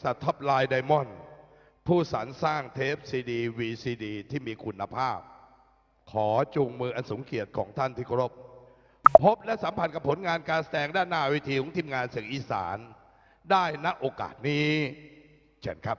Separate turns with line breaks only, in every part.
ษัทท็อปไลน์ไดมอนด์ผู้สรรสร้างเทปซีดีVCDที่มีคุณภาพขอจูงมืออันสูงเกียรติของท่านที่เคารพพบและสัมผัสกับผลงานการแสดงด้านหน้าเวทีของทีมงานเสียงอีสานได้ณโอกาสนี้เชิญครับ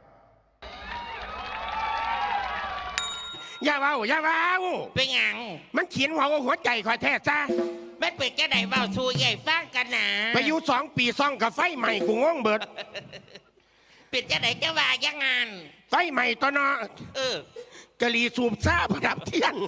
อย่าเว้า
เป็นหยัง
มันเขียนหัวใจคอยแท้จ้า
ไม่เปิดแค่ไหนเว้าสู้ใหญ่ฟังกันนะ
ไปอยู่2 ปีซ่องกับไฟใหม่กูงงเบิด
ปิดแค่ไหนจะว่ายังงาน
ไฟใหม่ตอนนกะลีสูบซ่าประดับเทียน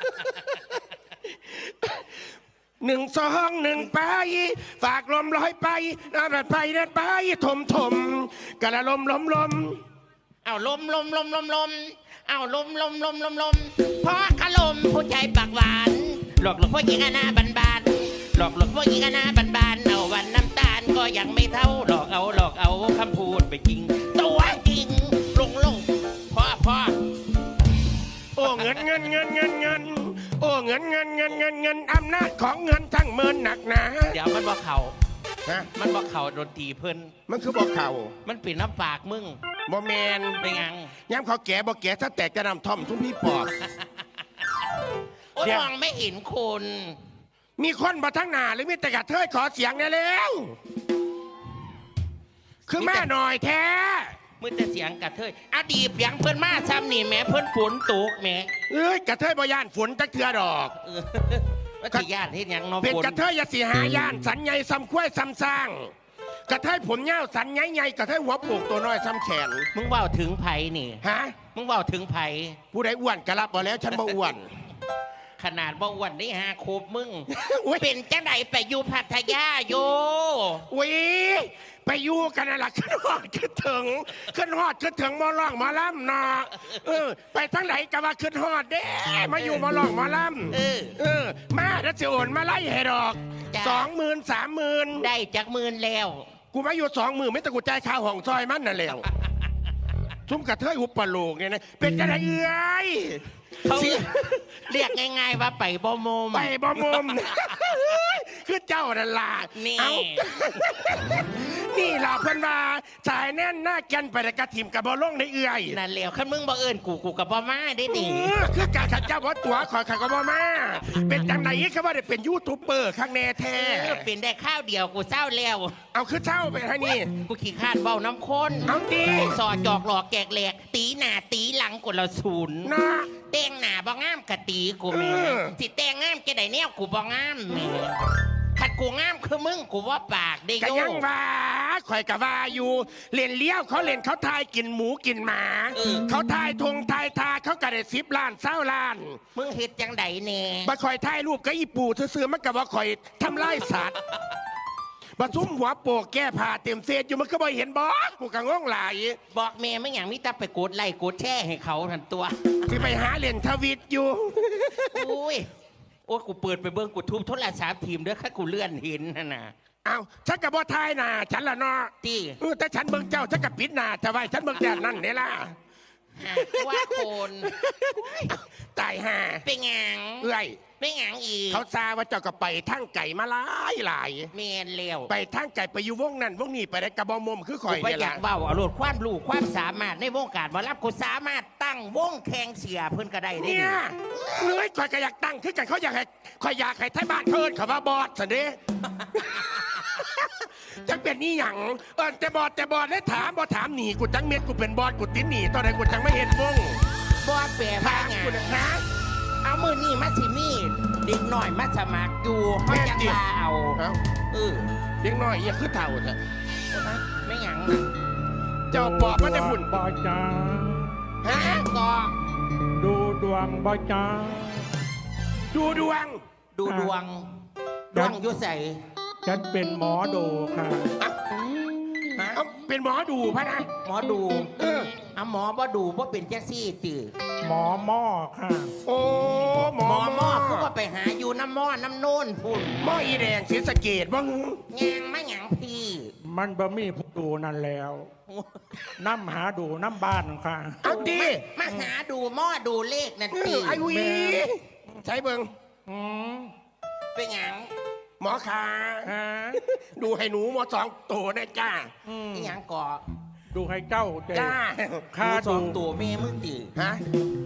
1 2 1ไปฝากลมลอยไปน้ำไปนั่นไปถมกะละลม
เอาลมเอาลมเพราะขลมผู้ใจปากหวานหลอกผู้หญิงหน้าบานหลอกผู้หญิงหน้าบานเอาวันน้ำตาลก็ยังไม่เท่าหลอกเอาคำพูดไปจริงตัวจริงลงพ่อ
โอ้เงินโอ้เงินอำนาจของเงินทั้งเมินหนักหนา
เดี๋ยวมันบอกเขามันบอกเขาดนตรีเพิ่น
มันคือบอกเขา
มันเป็นน้ำปากมึง
บ่แมน
เป็นยัง
ย้ำเขาแก่บ่แก่ถ้าแตกจะนำท่อมทุ่มพี่ปอบ
โอ้มองไม่เห็นคน
มีคนมาทั้งหน้าหรือมีแต่กระเทยขอเสียงได้แล้วคือแม่หน่อยแท้
มือแต่เสียงกระเทยอดีตเสียงเพิ่นมาซ้ำนี่แม่เพิ่นฝนตกแม่
กระเทยบ่ย่านฝนจักเทือดอก
ว่าสิย่านเฮ็ดหยังเนาะ
เป็นกระเทยอย่าสิหาย่านสันใหญ่ซ้ำคุ้ยซ้ำสร้างกระเทยผมเงาสันใหญ่กระเทยหัวโปกตัวน้อยซ้ำแขน
มึงว่าถึงไผนี่มึงว่าถึงไผ
ผู้ใดอ้วนกระลับบ่แล้วฉันบ่อ้วน
ขนาดบ่อ้วนนี่ฮะโคบมึงเป็นจังไดไปอยู่พัทยาโย
ไปอยู่กันน่ะล่ะขึ้นฮอดขึ้นถึงหมอร้องหมอลำเนาะไปทั้งไหนก็ว่าขึ้นฮอดเด้มาอยู่หมอร้องหมอลำมาแล้วสิโอนมาไล่ให้ดอก20,000 30,000
ได้จาก10,000แล้ว
กูมาอยู่20,000ไม่ต้องกูจ่ายค่าห้องซอยมันน่ะแล้วทุ่มกระเทยหุบปะโลกเนี่ยนะเป็นจังไดเอ้ย
เขาเรียกง่ายๆว่าไปบ่มม
คือเจ้านั่นล่ะนี่ล่ะเพิ่นว่าสายแน่นหน้าแก่นไปกระถิ่มกับบ่ลงในเอื้อย
นั่นแล้วคันมึงบ่เอิ้นกูกับบ่มาได้ดิ
คือการขัดเจ้าบ่ตัวขอยก็บ่มาเป็นจังได๋คือว่าได้เป็นยูทูบเบอร์ข้างแน่แท้
เป็นได้ข้าวเดียวกูเศร้าแล้ว
เอาคือเศร้าไปให้นี่
กูขี้คร้านเว้าน้ำข้น
เอาดิ
สอดจอกหลอกแกกแหลกตีหน้าตีหลังคนละศูนย์
นะ
แต่งหน้าบ่งามกะตีกูแม่สิแต่งงามจะได้แนวกูบ่งามแม่ขัดกูงามคือมึงกูว่าปากได้โย
ก็ยังว่าข่อยกะว่าอยู่เล่นเลี้ยวเขาเล่นเขาทายกินหมูกินหมาเขาทายทงทายทาเขากะได้10 ล้าน20 ล้าน
มึงเฮ็ดจังไดแน่
บ่ข่อยถ่ายรูปกับอีปู่ซื่อๆมันก็บ่ข่อยทำลายสัตว์บ่ซุ่มหัวโปกแก้ผ้าเต็มเศษอยู่มันก็บ่เห็นบ่กูก็งงหลาย
บอกแม่มึงหยังมีแต่ไปกดไลค์กดแชร์ให้เขาทันตัว
ที่ไปหาเล่นทวิตอยู่
อุ้ยโอ้กูเปิดไปเบิ่งกูทุบโทรศัพท์ทีมเด้อค่ะกูเลื่อนเห็นนั่นน่ะ
อ้าวฉันกับบ่ทายน่ะฉันละเนาะ
ตี
แต่ฉันเบิ่งเจ้าฉันกับปิดหน้าจะไว้ฉันเบิ่งแต่นั่นนี่ล่ะ
ว่าคน
ตายห่า
เป็นหยังเป็นหยังอีก
เขาซาว่าเจ้าก็ไปทางไก่มาหลาย
แม่นแล้ว
ไปทางไก่ไปอยู่วงนั้นวงนี้ไปได้กระบอมคือข่อย
นี่ล่ะอยากเว้าเอาโลดความรู้ความสามารถในวงการบ่รับกูสามารถตั้งวงแข่งเสียเพิ่นก็ได้
เนี่ยข่อยก็อยากตั้งคือกันเขาอยากให้ข่อยอยากให้ไทบ้านเพิ่นเขาว่าบอสซะเด้จังเป็นนี่หยังแต่บอสได้ถามบ่ถามหนีกูจังเม็ดกูเป็นบอสกูติ้นหนีตอนไหนกูจังไม่เห็นวง
บอสแปลว่าหยัง
นะ
เอามือนี่มาสิมีเด็กหน่อยมาสมัครอยู่เขาจะลาเอา
เด็กหน่อยอย่าคือเท่าเถอะ
ไม่หยัง
เจ้าปอบมันจะหุ่น
บ่จ้า
ก็
ดูดวงบ่จ้า
ดูดวง
ยุ่ใส่
ฉันเป็นหมอดูค่ะ
เป็นหมอดูพะนะ
หมอดูหมอบ่ดูบ่เป็นแจ็คซี่ตื่อ
หมอหม้อค่ะ
โอ้หมอ
คือว่าไปหาอยู่น้ำหม้อน้ำโน่นพุ่น
หม้ออีแดงศรีสะเกษบ้าง
ยังไม่หยังพี่
มันบ่มีผู้ดูนั่นแล้วน้ำหาดูน้ำบ้านค่ะ
เอาดี
มาหาดูหม้อดูเลขนั่นตี
ไอ้วีใช้เบิ่ง
เป็นหยัง
หมอขาดูให้หนูหมอ2 ตัวนะจ้า
หยังก่อ
ดูให้เจ้าใจ
จ้า
ค่า
ส
ดู
องตัวแม่มึงตี
ฮะ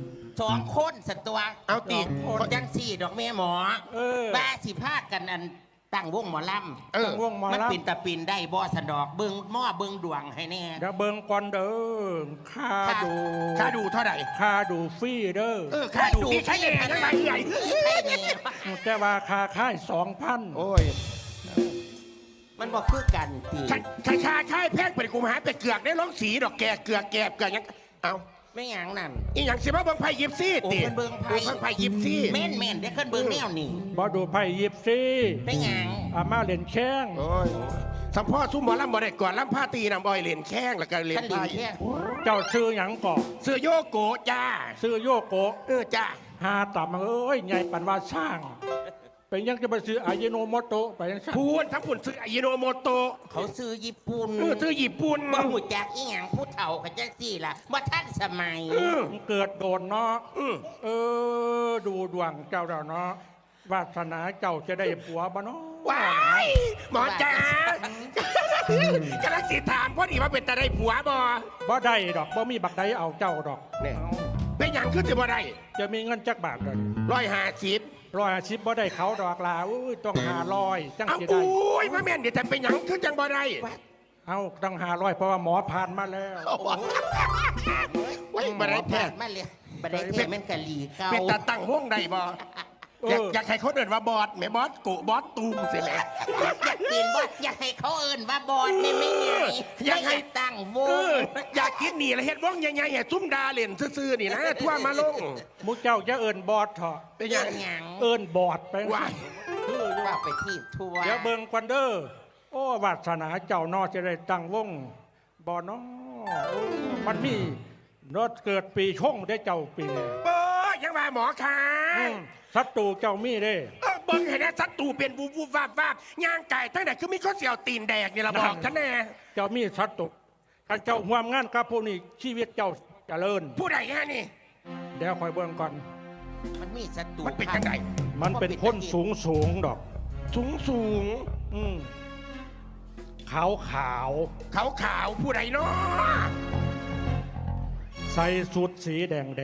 2 คนสัตตัว
เอาติ
คนจังสี่ดอกแม่หมอ
เออ
บ้าสิพากันอันตั้งวงหมอล
เออ
วงหมอ
ำมัน
ลำ
ปินตะปินได้บ่สะดอกเบิ่งหม้อเบิ่งดวงให้แน่
เดี๋ยวเบิ่งก่อนเด้อค่าดู
ค่าดูเท่าไหร่
ค่าดูฟรีเด้อ
ค่าดูพี่ใช่แน่ยังไงใหญ่
ใช่แน่
แต่ว่าค่าค่าย2,000
โอ้ย
มันบอกคือกันตี
ค่าค่ายแพงไปกูมาหาไปเกือกได้ร้องสีดอกแกเกือกยังเอา
ไม่หยังนั่น
อีหยังสิมาเบิ่งไพ่ยิปซี่
โอ้
ติ
เพิ่นเบิ่งไพ่
ไพ่ยิปซี่
แม่นได้ขึ้นเบิ่งแนวนี่
บ่ดูไพ่ยิบซี
ไม่หยัง
อามาเล่นแข้ง
โอ้ยสัมพ่อซุ้มหมอลำบ่ได้ก่อนลำผ้าตีนำบอยเหรียญแข้งแล้วก็เหรียญ
ท่านลิ
ไพ่
งแค่
เจ้าชื่อหยังก่อ
เสื้อโยโกะจ้า
ชื่อโยโกะ
จ้า
หาต่ำเอ้ยใหญ่ปันว่าสร้าง เป็นยังจะไปซื้ออายิโนโมโตะไปยังสร้าง
พูนทั้งผุนซื้ออายิโนโมโตะ
เขาซื้อญี่ปุ่น
ซื้อญี่ปุ่น
บ่หูจักอีหยังผู้เฒ่ากันจังสี่ล่ะว่าท่านสมัย
มันเกิดโดนเนาะดูดวงเจ้าเราเนาะวาสนาเจ้าจะได้ผัวบ่เนาะ
ว้ายหมอจ้ากำลังสิถามพอดีว่าเป็นตาได้ผัวบ่
บ่ได้ดอกบ่มีบักใดเอาเจ้าดอก
เนี่ย
เอา
เป็นหยังคือจะบ่ได้
จะมีเงินจักบาทเลย
150
150บ่ได้เขาดอกลาอุ้ยต้อง500จัง
เอา
สิได้
อุ้ยมาแม่นเดี๋ยวแต่เป็นหยังคือจังบ่ได้
เอาต้อง500เพราะว่าหมอผ่านมาแล้ว
ว้ยบ่ได้แท้
มาเลยบ่ได้แท้แม่นกะหลีเก่า
เป็นตาตั้งวงได้บ่อยากให้เขาเดินว่าบอสแม่บอสกุบอสตูมสิแม่
อยากกินบ่อยากให้เขาเอิ้นว่าบอลนี่ไม่ไง
อยากให้
ตั้งวง
อยากกินนี่ละเฮ็ดวงใหญ่ๆให้ซุ่มดาเล่นซื่อๆนี่นะทั่วมาลง
มุกเจ้าจะเอินบอดเถอะ
เป็นห
อ
ยั
ย่าง งหยัง
เอินบอดไป
ว่า
ว่าไปที่ทัวร์
เดี๋ยวเบิ่งควันเดอร์โอ้วาสนาเจ้านอจะได้ตั้งวงบอน้อโอ้มันมีรถเกิดปีชงได้เจ้าปีนี้
เบ้อยังว่าหมอค่ะ
ศัตรูเจ้ามีเด้
เบิ่งให้นะศัตรูเป็นวูบวูบวาบวาบย่างไก่ตั้งแต่คือมีข้อเสียวตีนแดกนี่ละบอกฉันแน่
เจ้ามีศัตรูการเจ้าห่วมงานกับพวกนี้ชีวิตเจ้าเจริญ
ผู้ใดฮะนี่
เดี๋ยวคอยเบิ่งก่อน
มันมีศัตรู
มันเป็นจังได
มันเป็นคนสูงดอก
สูง
อืมขาวขาว
ขาวขาวผู้ใดเนาะ
ใส่สุดสีแดง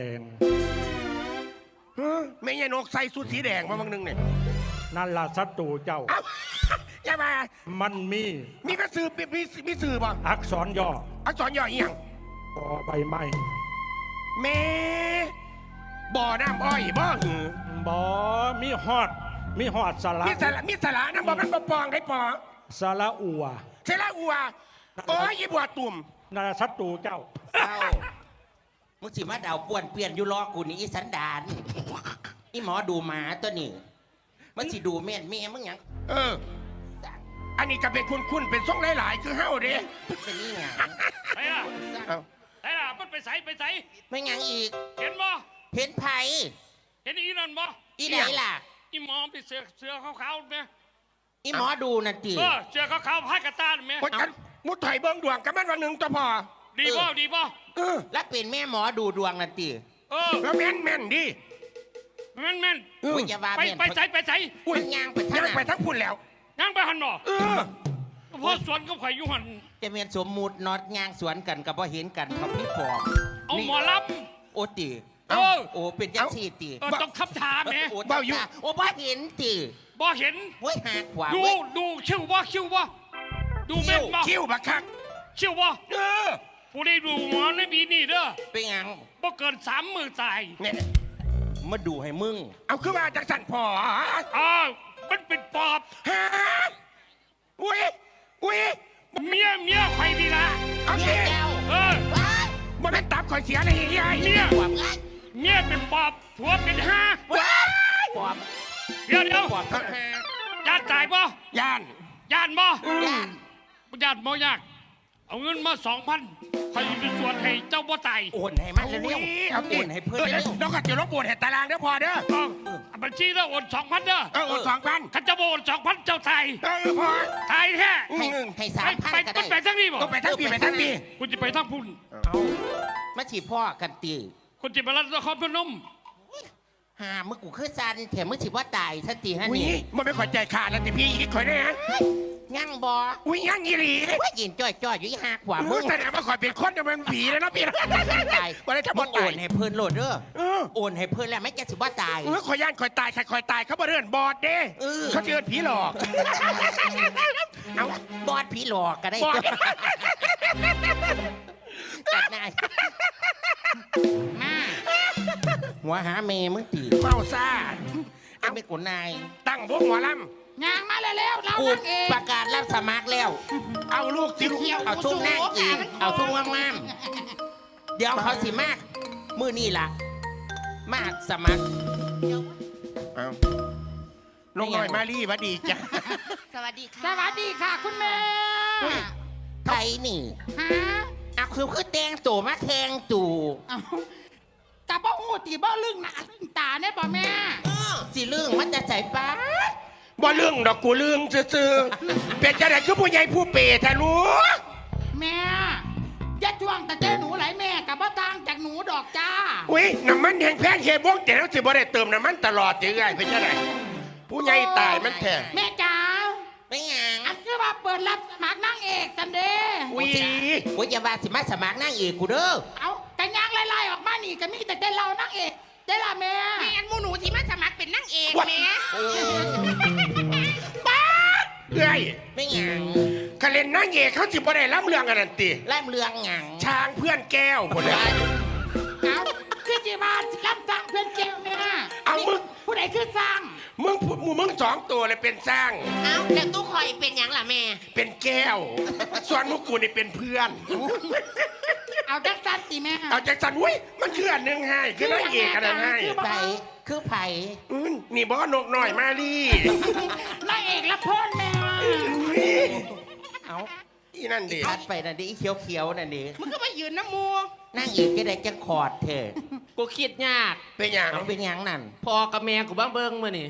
ไม่ใช่นกใส่สูทสีแดงมาบางนึงเนี่ย
นั่นล่ะศัตรูเจ้า
เอ้าอย่ามา
มันมี
มีกระสือมีสื่อบ่
อักษรย่อ
อักษรย่ออีหยัง
ปอใบไม้
แม่บ่อน้ำอ้อยบ่หือบ
อมีฮอดสระ
มีสาระน้ำบ่มันบ่ปองได้ปอ
สระอัว
เสละอัวโอ้ยยี่บัวตุ่ม
นั่นล่ะศัตรูเจ้า
เอ้ามึงสิมาเดาป่วนเปลี่ยนอยู่รอกูนี่อีสันดานอีหมอดูหมาตัวนี้มันสิดูแม่นแม่มึงหยัง
อันนี้ก็เป็นคุณเป็นทรงหลายๆ คือเฮาเด้
เป็นนี่หยัง
ไปล่ะ
เอ้า
ไปล่ะมันไปใส่ไปใส่
ไม่หยังอีก
เห็นบ่
เห็นไผ
เห็นอีนั่นบ่
อีไหนล่ะ
อีหมอมไปเสือขาวๆไหม
อีหมอดูนั่นติ
เสือขาวๆพายกระตานไหม
โอ้ยกันมุดไถเบิ่งดวงกับมันวันหนึ่งตัวพอ
ดีบ่ดีบ่
แล้วเป็นแม่หมอดูดวงนั่นติ
แล้วแม่นดิ
แม่น
อุ้ยอย่าว่า
ไป
แม่น
ไปใส่ไปใส่
อุ้ย
มันย่างไปทาง
ย่าง
ไหน
ไปทั้งพุ่นแล้ว
ย่างไปหันบ่เพราะสวนก็ข่อยอยู่หัน
จะเมียนสมมุตินอดย่างสวนกันกับบ่เห็นกันเขาพี่ปอบ
เอาหมอล
โอติ
เออ
โอ้เป็นจังซี่ติ
ต้องทับทามแหม
โอ้ตาโอ้บ่เห็นติ
บ่เห็น
เว้ยหาขวา
ดู
เว้ย
ดูคิวบ่ดูแม่นบ่
คิ้วบักคัก
คิวบ่ผู้ได้ดูหมอในปีนี้เด้อ
เป็นหยัง
บ่เกิน3 มื้อตาย
เนี่ย
มาดูให้มึง
เอาคือว่าจากสันพอ
มันเป็นปอบ
ฮะอุ้ย
เมียไข่ดีละ
เอา
เมี
สิ
ยเจ้า
มันเป็นตับข่อยเสียเลยยาย
เมีย
ปอบไง
เมียเป็นปอบผัวเป็นห้า
ปอบ
เดี๋ยว
ปอบทั้งหา
ญาติตายบ่
ย่าน
ญาติบ่
ย่าน
ญาติบ่ยาก เอาเงินมา2,000ใครไปสวดให้เจ้าบ่ตาย
โอนให้มันเร็ว
เอา
ๆ
ติ
โอนให้เพื่อนเร็ว
น้องก็จะลบปวดเห็ดตารางเด้อพอเด้อ
ต้องบัญชีแล้วโอน2,000เด้อ
โอน2,000
ขันจะบ่โอน2,000เจ้าตาย
พอ
ตายแท้
ให้3,000
ไป
ก็
ไป
ได้
ทั้งนี้บ่
ต้องไปทั้งปีไปทั้งปี
คุณจะไปทั้งพุ่น
มาฉีพ่อกันตี
คุณจะไปรัฐนครพนม
หามึงกูคือซันแถมมึงสิว่าตายสติฮะ
อุ้ย
นี่
มันไม่ขอใจขาดแล้วแต่พี่อีกข่อยนะ
ยั่งบอ
อุ้ยยังอีหลี
ว่ายินจ้อยอยู่อีหาขวามึ
มึ
ง
งแสดงว่าข่อยเป็นคนจะเป็นผีแล้วนะพี่
ตาย
วันนี้จะ
มึ
บ่
งโอ
ตาย
นให้เพิ่นโหลดเด้อ
เออ
โอนให้เพิ่นแล้วไม่จะสิว่าตาย
ข่อยย่านข่อยตายใครข่อยตายเขาบ่เรื่อนบอดเด้
เออ
เขาเชิญผีหลอกเอา
บอดผีหลอกก็ได้
บอด
ตัดนายมาหัวหาเมย์มึงตี
เมาซ่า
เอาไม่กูนาย
ตั้งวงหัวล
งานมาแล้วเรา
กู
นางเอก
ประกาศรับสมัครแล้ว
ำเอาลูกสิลูก
เอาทุ่งนั่งอีกเอาทุ่งงามๆเดี๋ยวเขาสิมากมือนี่ล่ะ มากสมัคร
เอาลงหน่อยมารีหวัดดีจ้ะ
สวัสดีค่ะคุณแม่
ใครนี่
ฮะ
เอาคือแตงตู่มาแทงตู่
เอากะบ่หูตีบ่ลึงหน้าลึงตาเนี่ยบ่แม่
สิเรื่องมันจะใส่ป้า
บ่เรื่องดอกกูเรื่องซื่อๆเป็นจะไหนคือผู้ใหญ่ผู้เปรทะลูก
แม่อย่าจ้วงแต่เจ้หนูไหลแม่กับบ่ต่างจากหนูดอกจ้า
อุ้ยน้ำมันแห้งแพงเฮบวงแต่แล้วสิบ่ได้เติมน้ำมันตลอดจะไงเป็นจะไหนผู้ใหญ่ตายมันแท้
แม่จ๋า
ไม่หยัง
อันคือว่าเปิดรับสมัครนางเอกสันเดย์
อุ้ย
โอ้ยอย่าว่าสิมาสมัครนั่งอีกกูเด้อ
เอากันยางไล่ๆออกมานี่ก็มีแต่เรานางเอกได้ละแม่
แม่อันหมูหนูที่มาสมัครเป็นนางเอกแม่
เอ้ย
ไม่หยัง
คะเล่นนางเอกเขาสิบ่ได้รับเรื่องกันนั่นติ
ไล่เรื่องหยัง
ช้างเพื่อนแก้วคนเลย
เอาคือจีบานรับสั่งเพื่อนเจ้าแม่
เอามึง
ผู้ใดคือสั่ง
มึงสองตัวเลยเป็นสร้าง
เอ้าแล้วตู้คอยเป็นหยังล่ะแม่
เป็นแก้ว ส่วนมุกกูนี่เป็นเพื่อน
เอาจักสันติแม่
เอาจากสันอุ้ยมันคืออันหนึ่งให้คือนางเอกอันนั้นให้
ไผ่คือไผ่
นี่บอสนกหน่อยมาดิ
นางเอกละเพิ่นแม่
เอา
อีนั่นดิ
ทัดไปนั่นดิอีเขียวๆนั่นดิ
มึงก็มายืนน้ำมู
นั่งอีกจะได้จังคอร์ดเถอะ
กูคิดยาก
เป็นอย่าง
เอาเป็นหยังนั่น
พอกับแม่กูบ้างเบิ้งมื่อนี่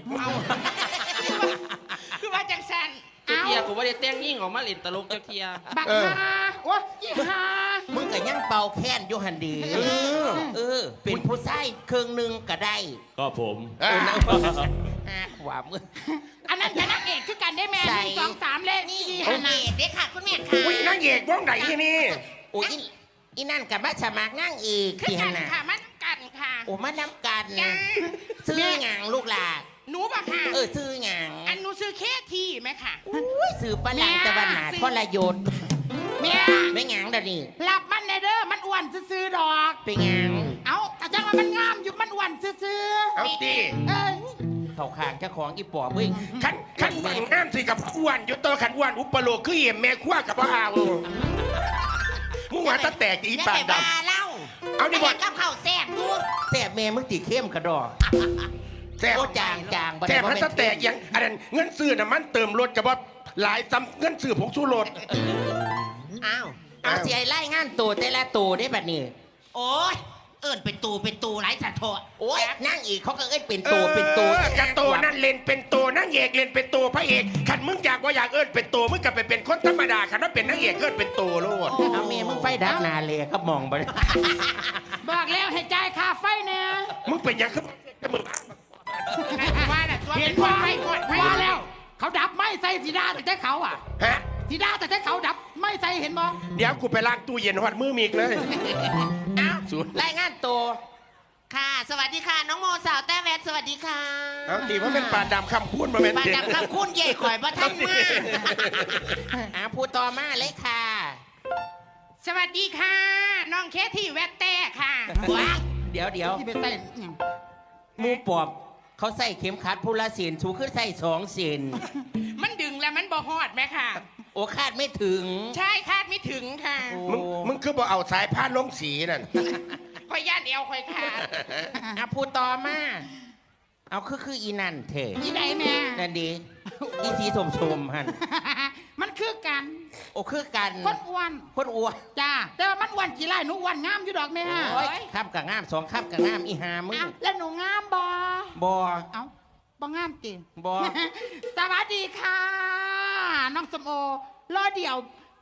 คือว่าจังสัน
เจ้าเทียกูว่าได้แต่งยิ่งออกมาเล่นตลกเจ้าเทีย
บักฮาโอ้ยอีฮา
มึงก็ยังเป่าแค้นอยู่หันดีเป็นผู้ชายเครื่องหนึงก็ได้
ก็ผม
ขวามือ
อันนั้นกับนางเอกคือกันได้แม่
ใส่
1 2 3เลข
นี่
สี่
นางเอกเด้ค่ะคุณแม่ค่ะ
อุ้ยนางเอกวงไหนที่นี่
โอ้ยอีนั่นกับมาสมัครนั่งอีก
คือ
ที่
กั
หั
น
นน่ะ
ค่ะมันกันค่ะ
โอ้มาน้ำกัน
จ้า
ซื้อหยังลูกหลาน
หนูบ่ค่ะ
ซื้อหยัง
อันหนูซื้อเคทีไหมค่ะ
อุ้ยซื้อปลาหลังตะวันหนาทรยศ
แม่
ไม่หยังเดยวนี่
รับมันในเด้อมันอ้วนซื่อๆดอก
เป็นหยัง
เอาแต่จังว่ามันงามอยู่มันอ้วนซื่อ
เอาดิ
ๆเอ้ย
เขาขางเจ้าของอีปอบเว้ย
ขันบังน้ำสิกับอ้วนอยู่ตัวขันอ้วนอุปโลกคือเอี่ยมแม่ขั้วกับพ่อเอามึงว่าตะแตกอีปากด
เล่า
ำเอาดิบอล
กับข้าวแซ่บดู
แต่แม่มึงตีเข้มกระดอก
แซ่บ
โอ้จางจาง
แซ่บพันตะแตกยังอันนั้นเงินซื้อน่ะมันเติมรถกับว่าหลายซ้ำเงินซื้อผงชูรส
อ้าวเอาเสียไล่งานตัวแต่ละตัวได้แบบนี้
โอ้ยเอิญเป็นตูไร้สะโทษ
โอ้ยนั่งอีกเขาก็เอ้ยเป็นตัวเป็นตัว
กระโตนั่นเล่นเป็นโตนั่งเอกเล่นเป็นโตพระเอกขันมึงอยากว่าอยากเอิ้นเป็นโตมึงกลับไปเป็นคนธรรมดาขันว่าเป็นนางเอกเอิ้นเป็นโตโลด
เอาเมียมึงไฟดับนาเลยก็มองไป
บอกแล้วให้จ่ายค่าไฟเนี่ย
มึงเป็นหยังคือมึง
ว่าน่ะตัว
เห็
เป็น น
ว่า
ไฟกดไฟ
ว่าแล้ว เขาดับไม่ใส่สีดาแต่ใจเขาอ่ะ
ฮะ
สีดาแต่ใจเขาดับไม่ใส่เห็นบ่
เดี๋ยวกูไปล้างตู้เย็นหอดมือมีกเลย
อ้าวรายงานตัว
ค่ะ สวัสดีค่ะ น้องโมสาวแต้แวดสวัสดีค่ะ
เอาตีว่าเป็นปลาดำคำพูดมาเป็น
บาด
เด็ก
ดำคำคุ้นเย่ข่อยบ่ทันมา
พูดต่อมาเลยค่ะ
สวัสดีค่ะ น้องเคที่แวดแต่ค่ะ
ว้าเดี๋ยว
ที่ไปใส่อิหยัง
หมูปอบเขาใส่เข็มขัดพูละเสียนสูขึ้นใส่2 เสียน
มันดึงแล้วมันบ่ฮอดไหมค่ะ
โอ้คาดไม่ถึง
ใช่คาดไม่ถึงค่ะ
มึงคือบอกเอาสายพานลงสีนั่น
ข่อยย่านเอวข่อยขาด
พูดต่อมาเอาคืออีนั่นเถอะ
อีใดแม่
นั่นดีอีสีสมหัน
มันคือกัน
โอ้คือกัน
คนอ้วน
คนอ้วน
จ้าแต่ว่ามันอ้วนกี่ไร่หนูอ้วนงามอยู่ดอกแม่
โอ้ยข้ามกับงาม2ข้ามกับงามอีหามึง
เอ้าแล้วหนูงามบ่
บอ
เอ้าบ่งามจริง
บอ
สวัสดีค่ะ น้องสมโอรอเดี๋ยว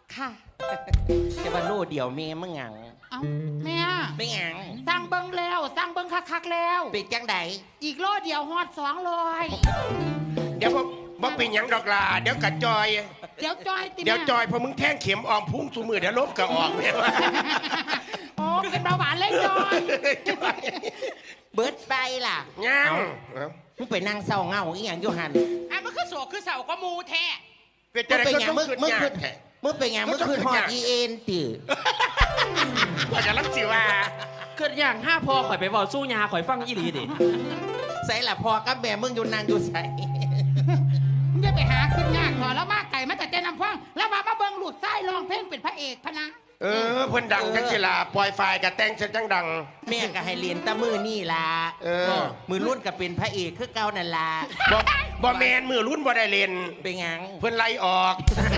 ค่ะ
จะมาโลเดียวเมย์มึงหยัง
เอ้าแม่
ไม่หยัง
สร้างเบิ้งแล้วสร้างเบิ้งคักๆแล้ว
เป็นจังได
อีกโลเดียวฮอด200
เดี๋ยวบ่เป็นหยังดอกลาเดี๋ยวกระจอย
เดี๋ยวจอยติ
เดี๋ยว
แม่
จอยพอมึงแท่งเข็มออมพุ่งสู่มือเดี๋ยวลบก็ออกแม่ว่า
โอ้เป็นเบาหวานเลยจอย
จอย
เบิดไปล่ะ
ยัง
มึงไปนั่งเศร้าเหงาอีหยังอยู่หัน
อ่ะมันคือโศกคือเสาก็มูแท้
เป็น
มึ
จะ
ง
ได้
เป็น
ก็
หยั
ต้อง
มึง
ขึ้น
มึง
ยา
คื
ก
อมึงเป็นหยังมึงคือฮอดอีเอ็นติ
ว่าจะรับสิว่า
เกิดอย่างห้าพอข่อยไปบอกสู้ยาข่อยฟังยี่หลีดิ
ใส่ละพอกับแม่มึงอยู่นางอยู่ใส่
มึงจะไปหาขึ้นยากถอแล้วมาไก่มาแต่เจนำฟังแล้วมาเบิ้งหลุดไส้ร้องเพลงเป็นพระเอกพะนะ
เเพิ่นดังจังสิล่ะปล่อยไฟกับแต่งเสร็จจังดัง
แม่ก็ให้เรียนแตะมือนี่ล่ะ มือรุ่นก็เป็นพระเอกคือเก่านั่นล่ะ
บ่แมนมือรุ่นบ่ได้เล่น
เป็นหยัง
เพิ่นไล่ออก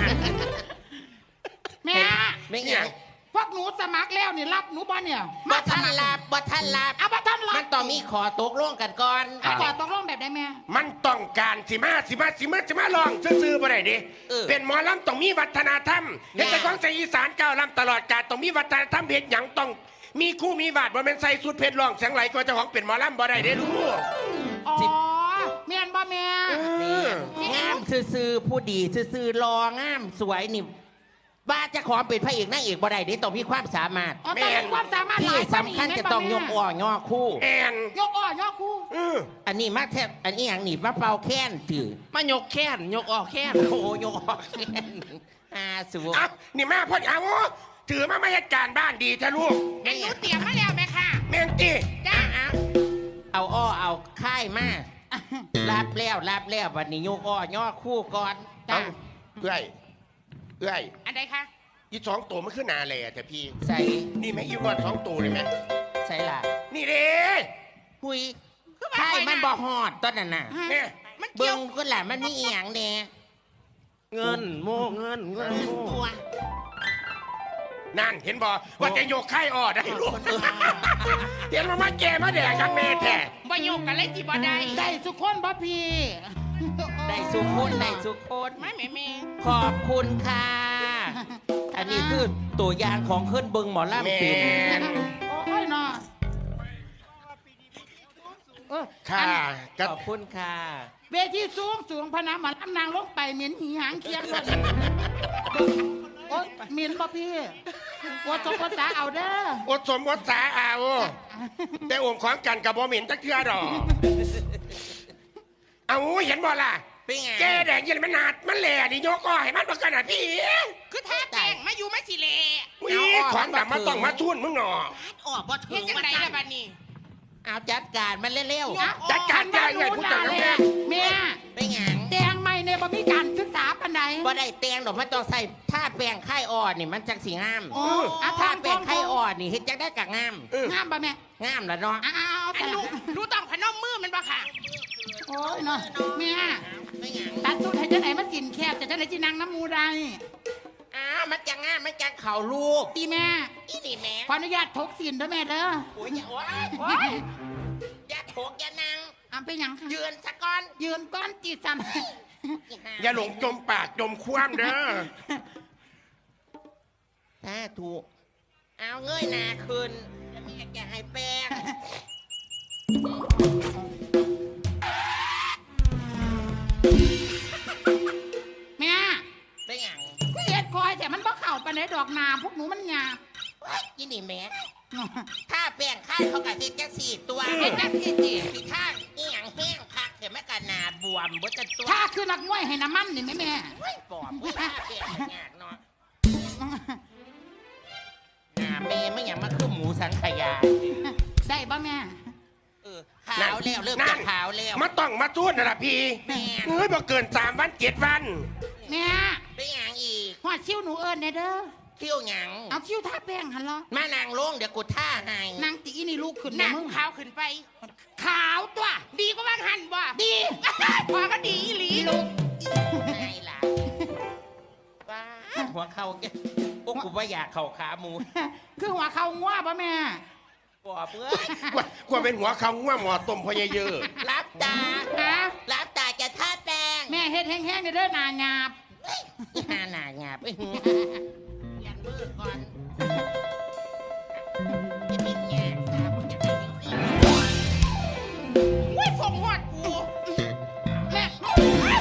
แม่
ไม่หยัง
พวกหนูสมัครแล้วนี่รับหนูบ่เนี่ย
บ่ทันรับบ่ทันรับ
เอาบ่ทันรับ
มันต้องมีขอตกลงกันก่อน
เอาขอตกลงแบบได้แม่
มันต้องการสิมาลองซื่อๆบ่ได้ดิเป็นหมอลำต้องมีวัฒนธรรมเฮ็ดแต่ของใส่อีสานก้าวลำตลอดกาลต้องมีวัฒนธรรมเฮ็ดหยังต้องมีคู่มีวาดบ่แม่นใส่สุดเพชรร้องเสียงไหลก็เจ้าของเป็นหมอลำบ่ได้เด้ลูก
อ๋อแม่นบ่แม่
งามซื่อๆผู้ดีซื่อๆรองามสวยนี่บ้าจะขอเป็นพระเอกนางเอกบ่ได้เด้ต้องมีความสามารถ
อ๋อต้องมีความสามารถห
ที่
ลาย
สำคัญจะต้องยกอ่อย่อคู่
แอน
ยกอ้อยกคู่
อันนี้มาแทบอันนี้อย่างนี้มาเป่าแค้นถือ
มายกแค้นยกออกแค้น
โอ้โหยกออกแค้นสู
เอ้านี่มาพ่อเอาถือมาไม่ให้การบ้านดีทะลูก
อันหนูเตรียมมาแล้วแม่ค่ะ
แม่งตี
จ้า
เอาอ้อเอาค่ายมารับแล้ววันนี้ยกอ้อย่อคู่ก่อน
จ้า
เอ้ย
อันใดคะ
อีสองตัวมันขึ้นนาเลยอะแต่พี่
ใส่
นี่ไหมอีวันสองตัวเลยไหม
ใส่ละ
นี่เด้
หุยค่ายมันบ่ฮอดตอนนั้นน่ะ
เนี่ย
มันเกี่
เบิ่
ยว
งก็แหละมันมีอีหยังแน่
เงินโม่เงินโม่
ตัว
นั่นเห็นบ่ว่าจะโยกไข่ออดได้ลูกเห็นมาแก่มาแดกกันแม่แท้
บ่โยกกันเลยที่บ่ได้
ได้สุขคนบ่พี่
ได้สุขคนได้สุขคน
ไม่แม่
ขอบคุณค่ะ อันนี้คือตัวอย่างของขึ้นเบิงหมอลำ
แม่
ปิ่น
น
โอ้ยเนาะ
ค่ะ
ขอบคุณค่ะ
เวทีสูงพะนะมาลำนางลงไปเหม็นหีหางเคียงเลยโอ้ยเหม็นบ่พี่ปวดสมปวดสาเอาเด้อ
อดสมอดสาเอาแต่โอมของกันกับบ่เหม็นจักเทื่อดอกเอาเห็นบ่ล่ะ
เป็นไง
แกแดงยันมันหนาดมันแหล่ดิโยกอ้อให้มันประกันอ่ะพี่
ๆคือท่าแต่งมาอยู่มาสิเล
วิของดำมาต้องมาชุนมึงหนอ
ออกบ่ถึ
เฮ็ด
ง
จัง
วัน
ได
จัน
ล่ะบัดนี้
เอาจัดการมันเร็ว
จัดการใหญ่ใหญ่ผู้จัดการแม่
แม่
ๆเป็นไง
แตงไม่เนี่ยบ่มีการศึกษาปานใด
บ่ได้แตงดอกมันต้องใส่ผ้าแป้งไข่อ่อนนี่มันจังสีงาม
โอ้อา
ผ้า
ทาน
แป้งไข่อ่อนนี่เฮ็ดจังได้กะงาม
งามบ่แม่
งามแล้วเนาะ
อ้าว
อันหนูต้องพนมมือมันบ่ค่ะ
โอ้ยเนาะแม่
เป็นไง
ตัดสุดให้จังไหนมาสินแคบจะจังไหนจีนางน้ำมูได้
อ้าวมันจังงามมันจังเข่าลูก
ตีแม่
อีนี่แม่
ขออนุญาตทกสินด้วยแม่เด้อ
โอ้ยอย่าโอ๊ย
โอ้ย
อย่าโถกอย่านั่ง
อำเป็นหยังคะ
ยืนสะก่อน
ยืนก้อนจีสัน
อย่าหลงจมปากจมคว่ำเด้อ
ถ้าถูกเอาเงยหน้าขึ้นแล้วแม่จะให้แป้ง
แม่
เป็นหยัง
เฮ็ดคอยแต่มันบ่เข้าไปในดอกนาพวกหนูมันหยาบ
เฮ้ยอีนี่แม่ถ้าแป้งค่ายเขากับเฮ็ดจังสี่ตัว
เฮ็ดจังซี่สิ
สีข้างอีหยังแห้งคักเห็นไหมกันหนาบวมเบิดกันตัว
ถ้าคือนักมวยให้น้ำมันนี่แม่แม่
เฮ้ยปอบเว้ยถ้าแป้งมันยากเนาะหน้าแม่ไม่อย่างมาคือหมูสังขยา
ได้บ่แม่
เออขาวแล้วเริ่มจะขาวแล้ว
มาต้องมาชุนนะล่ะพี่
แม่
เฮ้ยบ่เกิน3 วัน 7 วัน
แม่
เป็นหยังอีก
หอดชิวหนูเอิญเนี่ยเด้อ
เที่ยวหยัง
เอาชิวท่าแป้งหันเหรอ
มานางลงเดี๋ยวกูท่าให้
นางตีนี่ลูกขึ้น
ห
เด้
นั
อก มึง
ขาวขึ้นไป
ขาวตัว
ดีกว่าว่างหันบ่
ดี
พอก็ดีอีหลี
ลูก
ไงล่ะป้าดหัวเข่าแกโอ้กูว่าอยากเข่าขาหมู
คือหัวเขาง่วป่ะแม่
ปอบเอ้ย
กว่าเป็นหัวเขาง่วหมอต้มพอเยอะ
รับตา
ฮะ
รับตาจะท่าแป้ง
แม่เฮ็ดแห้งๆเด้อหนาหยาบ
หาหนาหยาบเปลี่ยนเบอร์ก่อนจะเป็นแง่สาบุญจะเป็นยังไงว้ยส่งหอดกูแม่แม่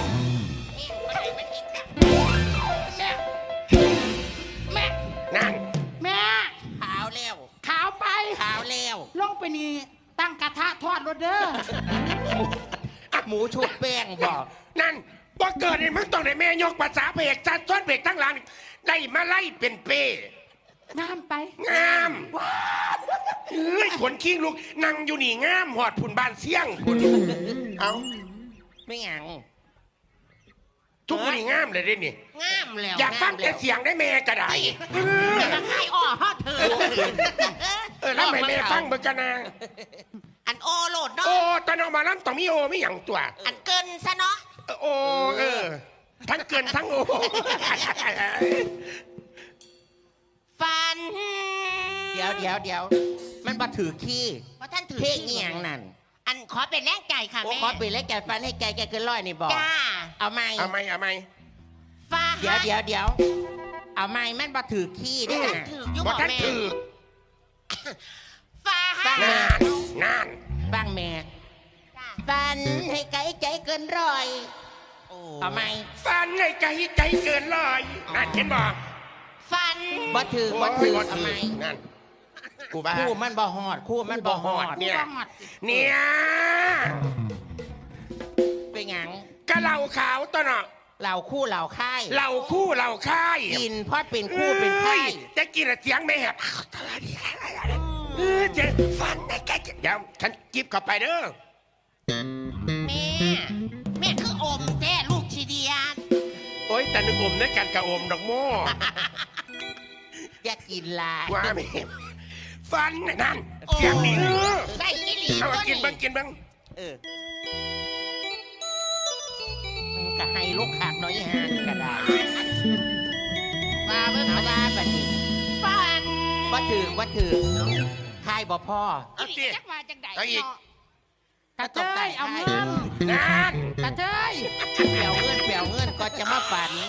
แม่
นั่น
แม่
ขาวแล้ว
ขาวไป
ขาวแล้ว
ลงไปนี่ตั้งกระทะทอดรถเด้อ
หมูชุบแป้งบอก
นั่นบ่เกิดนี่มึงต้องได้แม่ยกภาษาเบรกจัดซ้อนเบรกทั้งหลังได้มาไล่เป็นเป้
น้ำไป
งามเอ้ยขนคิงลูกนั่งอยู่นี่งามหอดผุนบานเสี่ยงผุนเอา
ไม่หยัง
ทุกคนนี่งามเลยเด้นี่
งามแล้ว
อยากฟังแต่
งาม
เสียงได้แม่ก็ได้
แล้วจะให้อ้อฮอดเธอ
แล้วไม่แม่ฟังเบิกกันนะ
อันโอโหลดเนาะ
โอ้ตอนออกมาล้ำต้องมีโอไม่หยังตัว
อันเกินซะเนาะ
โอ้ทั้งเกินทั้งโอ
ฟัน เดี๋ยวมันมาถือขี้
เพราะท่านถือ
เพลง
ที่
อีหยังนั่น
อันขอเป็นแรงใจค่ะ
โอ้
แม่
ขอปิดแล้วแกฟันให้แกเกินร้อยนี่บอก
จ้า
เอาไหม
เอาไหม
ฟ้า
เดี๋ยวเอาไหมมันมาถือขี้ได้อ
ถืออยู่
บ่
บ่
ท่าน
แม่
ถือ
ฟ้า
นั่น
บ้างแม่ฟันให้ไกลใจเกินร้อยเอาไหม
ฟันในใจเกินร้อยนั่นเห็นบ่
ฟัน
บ่ถือ
โอ้ย
เอาไหม
นั่นกูบ้า
คู่มันบ่หอดคู่มันบ่หอด
เนี่ย
บ่หอด
เนี่ย
เป็นหยัง
กะเหล่าขาวตัวเนาะ
เหล่าคู่เหล่าค่าย
เหล่าคู่เหล่าค่าย
กินเพราะเป็นคู่เป็นค่าย
จะกินเสียงไม่แหบเจ๊ฟันในแกเดี๋ยวฉันจิบเข้าไปเด้อ
แม่คืออมแท้ลูกชีเดียน
โอ๊ยแต่นึกอมในการกระอมดอกโม่
อย่ากินหลาย
ว่าแม่ฟันนั่นเสียงดี
ได้อีหลี
เอา
ตัว
กิน
นี้
บ้างกินบ้าง
ก็ให้ลูกขากน้อยห่างก็ได้มาเบิ่งเอาว่าบัดนี้
ฟัน
บ่ถือค่ายบ่พ่อ
เอาสิ
จักว่าจังใด
เอาอีก
เนาะ
กระเทยเอาเงิน
นั่น
กระเทย
เปียวเงินก็จะมาฝัน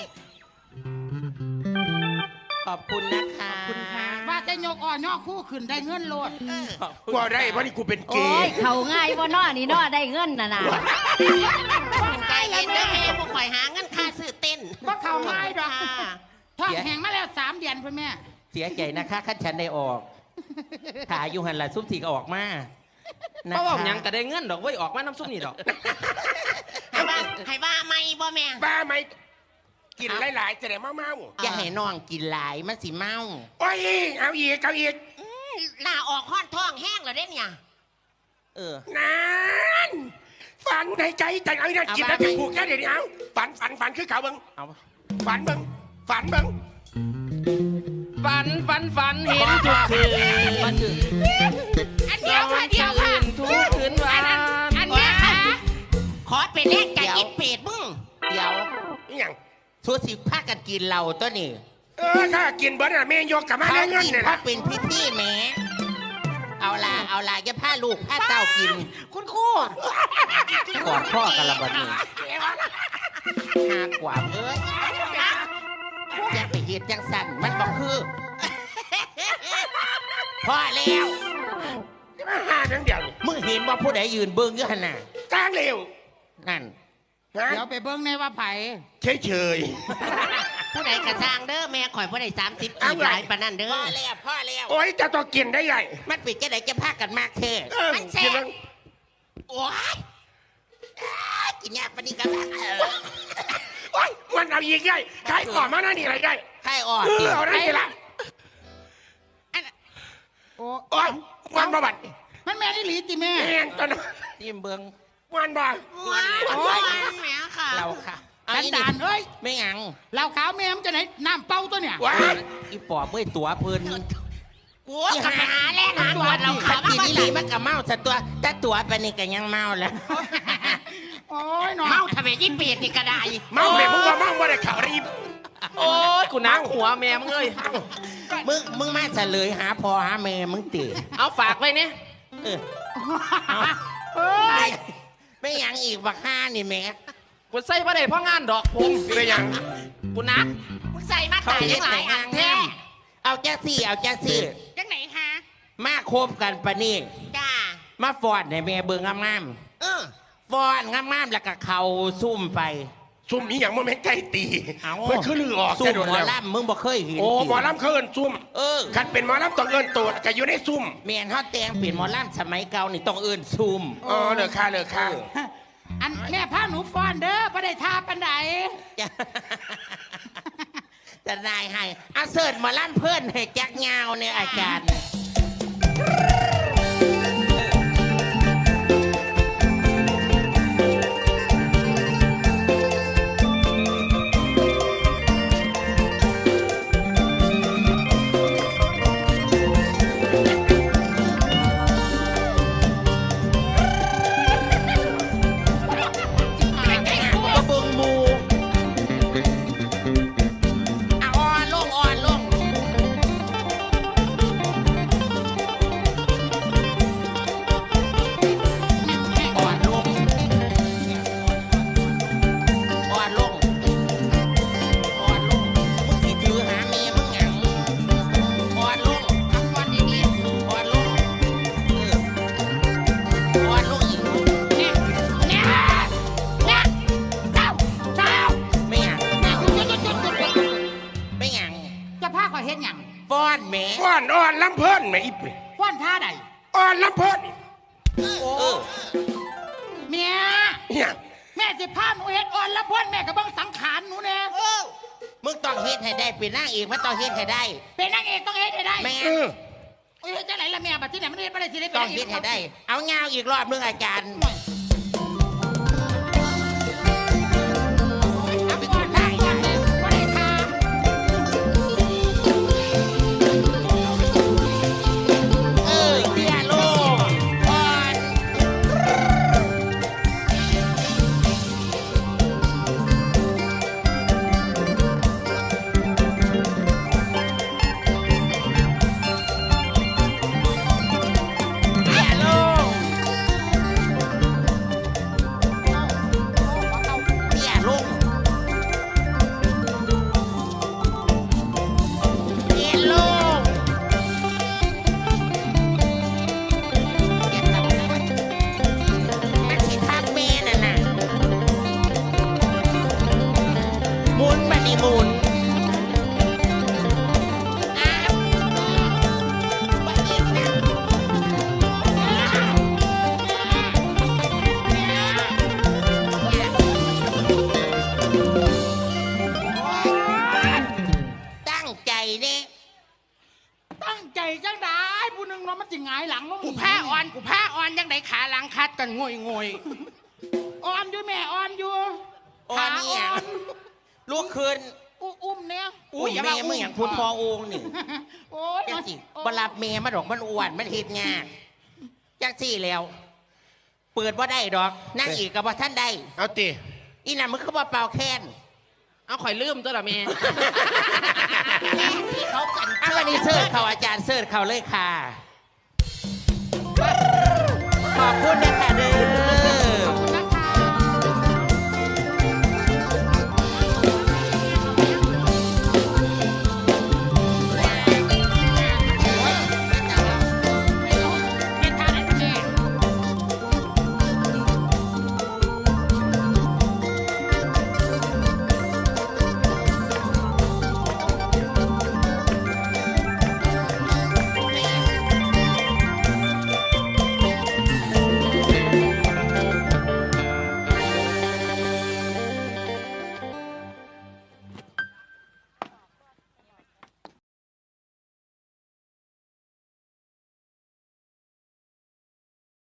ขอบคุณนะคะ
ว่าจะยกอ่อนย่อคู่ขึ้นได้เงินโลด
ขอบคุณ
กลัวได้เพราะนี่กูเป็นเก
โอ้ย
ย์
เขาง่ายว่าน้อนี่น้อได้เงินน่ะนะ
ใจเย็นเด้อแม่พวกข่อยหาเงินค่าซื้อเต้น
ว่าเขาง่ายดอก
ค่ะ
ทอดแห้งมาแล้ว3 เดือนพ่อแม่
เสียใจนะคะขั้นฉันได้ออกถ่ายอยู่หันละซุ่มทีก็ออกมาเพราะว่ายังก็ได้เงินดอกไว้ออกมาน้ำซุ่มนี่ดอก
ให้ว่าไม่บ่แม่
บ้าไหมกินหลายๆจะได้เมา
อย่าให้น้องกินหลายมันสิเมา
ๆโอ้ยเอาอีก
ลาออกห้อนท้องแห้งแล้วเด้เนี่ย
นั่นฝันในใจเอาอีกนะกินแล้วจะผูกแค่เดี๋ยวนี้เอาฝันคือเขาเบิ้ง
เอา
ฝันเบิ้งฝันเบิ้ง
ฝันเห็นทุกคืน
มันถึง
อันเดียวค่ะ
ทุกคืนวัน
อันแม่ค่ะขอเป็นแรงใจอีเป็ดมึง
เดี๋ยว
นี่ยัง
ทุกสิพากันกินเหล้าตัวนี้
ถ้ากินเบิ้ลอะแม่ยกกลับมา
เขา
ได้เงิน
กิน
เนี่ย
เพราะ
นะ
เป็นพิธีแหมเอาละอย่าพาลูกพาเต้ากิน
คุณครู
กอดพ่อกันละบัดนี้หากว่าเอ้ยอย่าไปเฮ็ดจังสั่นมันบอกคือพ่อแล้ว
มาหาทั้งเดียวนี่
มึงเห็นว่าผู้ใดยืนเบิ้งอยู่ขนาด
จ้างเร็ว
นั่น
นะ
เดี๋ยวไปเบิ้งในว่าไผ
เฉย
ผู้ใดกระซางเด้อแม่ข่อยผู้ใด30
เอา
อีก
ไว้
หลายปานนั้นเด้อ
พ่อแล้ว
ๆโอ้ยจะต้องกินได้ไง
มันปิดจะไหนจะพากันมากเท่
มันแซ่บ
กินบ้าง
โอ้ยกินยาปนิกัน
โอ้ยมันเอาอีกได้ขายก่อนมาหน้านี่อะไรได้
ให้อ่อน
เอาได้ทีละ
โอ้
โอ้ยวันบ่บัด
มันแม่นี่หลีติแม่
แม่งตอนนั้น
ทิมเบิ้ง
วันบ่
ว้าวแม่ค่ะ
เราค่ะ
สันดานเอ้ย
ไม่หยัง
เหล้าขาวแม่มันจะไหนน้ำเป้าตัวเนี่ย
ว้าย
อีปอบเมื่อยตัวเพิ่น
กูกำลังหาแลกหาตัวเรา
ขั
ขา
บ
มา
กิน
บ่
นี่
ใส่
มันก็เมาซะตัวถ้าตัวไปนี่ก็ยังเมาแล้ว
โอ้ยหนอ
เมาทำไมยิ่งเป็ดนี่ก็ได้
เมาแม่พวกว่าเมาบ่ได้ข่าวรีบ
โอ้ยกูนักหัวแม่มึงเอ้ย
มึงมาเฉลยหาพ่อหาแม่มึงตี
เอาฝากไว้เนี่ย
เออ
เอ้ย
ไม่หยังอีกบักห้านี่แม่
กูใส่ประเดี๋ยวพ่องานดอกผม
เป็นยัง
กูนัก
มึงใส่มาตายยังหลายอ่างแท้
เอาแจ๊ซี่เอาแจ๊ซี่
จังไหนคะ
มาคบกันปะนี่
จ้า
มาฟอนให้แม่เบิ่งงามๆฟอนงามๆแล้วก็เขาซุ่มไป
ซุ่มอีหยังบ่แม่นไก่ตี
เอา
เพิ่นคือลือออก
ซุ่ม
แต่โดน
หมอ
แล้ว
ลำมึงบ่เคยเห็น
โอ้
ติ
หมอลำเขาเอิ้นซุ่ม คันเป็นหมอลำต้องเอิ้นโตดก็อยู่ในซุ่ม
แม่นเฮาแต่งเป็นหมอลำสมัยเก่านี่ต้องเอิ้นซุ่ม
อ๋อเลิกค่ะเลิกค่ะ
อันแม่พาหนูฟ้อนเด้อบ่ได้ทาปันใด
จะจะนายให้เอาเสิร์ชหมอลำเพื่อนให้จักเงาเนี่ยอาจารย์ เบิ่งหมูอ่อนลงอ่อนลงอ่อนลงอ่อนลงอ่อนลงมึงสิถือหาเมียมึงหยังอ่อนลงทำวันดีๆอ่อนลงอ่อนลงอีก
เนี่ยเนี่ยเนี่ยเจ้าเจ้า
ไม่หยัง
เนี่ยหยุด
ไม่หยัง
จะพาข่อยเฮ็ดหยัง
ฟ้อนแหม
ฟ้อนอ่อนลำเพิ่นแม่อีเป
ฟ้อนท่าใด
อ่อนลำเพิ่น
เมีย
อีหยัง
แม่สิพาหนูเฮ็ดอ่อนละพ่นแม่ก็เบิ่งสังขารหนูแน่
มึงต้องเฮ็ดให้ได้เป็นนางเอกมันต้องเฮ็ดให้ได้
เป็นนางเอกต้องเฮ็ดให้ได้
แม่
เอ้ยจังไหนล่ะแม่บัดที่ไหนมันเฮ็ดบ่ได้สิได้เป็น
ต้อง
นางเอ
เฮ็
ก
ดให้ได้ เอาเงาอีกรอบนึงอาจารย์
เอาไปก่อนได้ก่อนเลยบ่ได้ทา
เตี้ยลงก่อน เตี้ยลงเตี้ยลงเตี้ยลง มันสิทักแม่น่ะนะหมุนบัดนี้หมุนอ้าวบัดนี้ค่ะตั้งใจเด้
ตั้งใจจังได้ผู้หนึงเนาะมันสิหงายหลังลง
กูผ้าอ่อนกูผ้าอ่อนยังไหนขาหลังคัดกันงวยงวย
อ่อนอยู่แม่อ่อนอยู่
อ่อนเนี่ย ลูกคืน
อุ้มเนี่ย
อุ้ยแม่มึงอย่างพุทธพอองค์นี่
โอ้ย
จังสิบรับเมย์มาดอกมันอ้วนมันเฮ็ดงานจังสี่แล้ว เปิดว่าได้ดอกนั่งอีกกับว่าท่านได้
เอาติ
อีน่ะมึงคือว่าเป่าแค้น
เอาข่อยลืมตัวละแม่
ที่เขากันเอาวันนี้เสิร์ชเขาอาจารย์เสิร์ชเขาเลยค่ะ ขอบคุณนะคะ